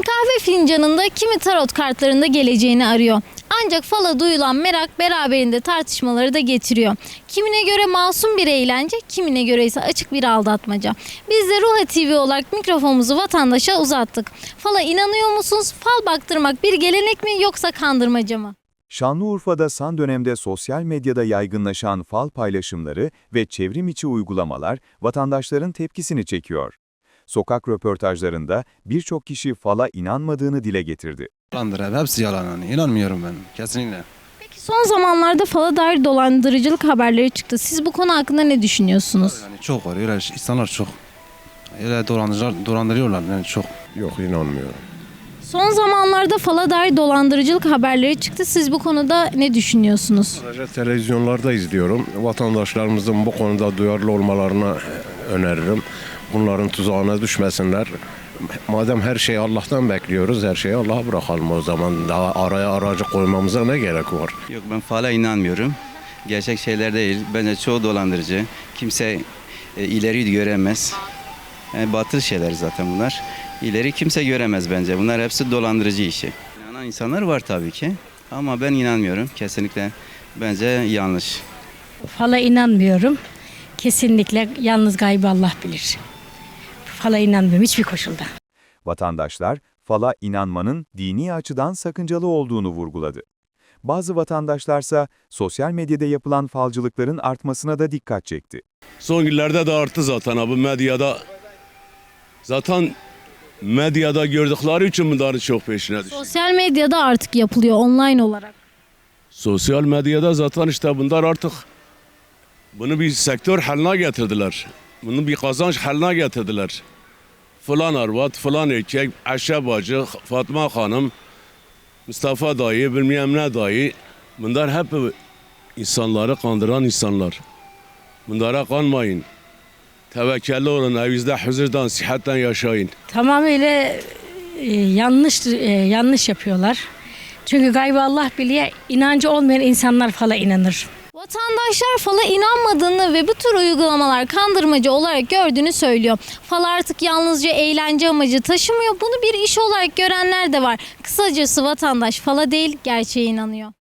kahve fincanında, kimi tarot kartlarında geleceğini arıyor. Ancak fala duyulan merak beraberinde tartışmaları da getiriyor. Kimine göre masum bir eğlence, kimine göre ise açık bir aldatmaca. Biz de Ruha TV olarak mikrofonumuzu vatandaşa uzattık. Fala inanıyor musunuz? Fal baktırmak bir gelenek mi yoksa kandırmaca mı? Şanlıurfa'da son dönemde sosyal medyada yaygınlaşan fal paylaşımları ve çevrim içi uygulamalar vatandaşların tepkisini çekiyor. Sokak röportajlarında birçok kişi fala inanmadığını dile getirdi. Yalandır, hepsi yalan. Yani. İnanmıyorum ben kesinlikle. Peki son zamanlarda fala dair dolandırıcılık haberleri çıktı. Siz bu konu hakkında ne düşünüyorsunuz? Yani çok var, öyle insanlar çok. Öyle dolandırıyorlar yani çok. Yok, inanmıyorum. Son zamanlarda fala dair dolandırıcılık haberleri çıktı. Siz bu konuda ne düşünüyorsunuz? Sadece televizyonlarda izliyorum. Vatandaşlarımızın bu konuda duyarlı olmalarını öneririm. Bunların tuzağına düşmesinler. Madem her şeyi Allah'tan bekliyoruz, her şeyi Allah'a bırakalım o zaman. Daha araya aracı koymamıza ne gerek var? Yok, ben fala inanmıyorum. Gerçek şeyler değil. Bence çoğu dolandırıcı. Kimse ileri göremez. Batıl şeyler zaten bunlar. İleri kimse göremez bence. Bunlar hepsi dolandırıcı işi. İnanan insanlar var tabii ki. Ama ben inanmıyorum. Kesinlikle bence yanlış. Fala inanmıyorum. Kesinlikle yalnız gaybı Allah bilir. Fala inanmıyorum hiçbir koşulda. Vatandaşlar, fala inanmanın dini açıdan sakıncalı olduğunu vurguladı. Bazı vatandaşlarsa sosyal medyada yapılan falcılıkların artmasına da dikkat çekti. Son günlerde de arttı zaten abi medyada. Zaten medyada gördükleri için bunların çok peşine düştü. Sosyal medyada artık yapılıyor online olarak. Sosyal medyada zaten işte bunlar artık bunu bir sektör haline getirdiler. Bunu bir kazanç haline getirdiler. Falan arvat, falan erkek, Ayşe bacı, Fatma hanım, Mustafa dayı, bilmem ne dayı. Bunlar hep insanları kandıran insanlar. Bunlara kanmayın. Tevekkelli olun, evinizde huzurdan, sıhhatten yaşayın. Tamamıyla yanlış yapıyorlar. Çünkü gaybı Allah biliyor. İnancı olmayan insanlar fala inanır. Vatandaşlar fala inanmadığını ve bu tür uygulamalar kandırmacı olarak gördüğünü söylüyor. Fal artık yalnızca eğlence amacı taşımıyor. Bunu bir iş olarak görenler de var. Kısacası vatandaş fala değil, gerçeğe inanıyor.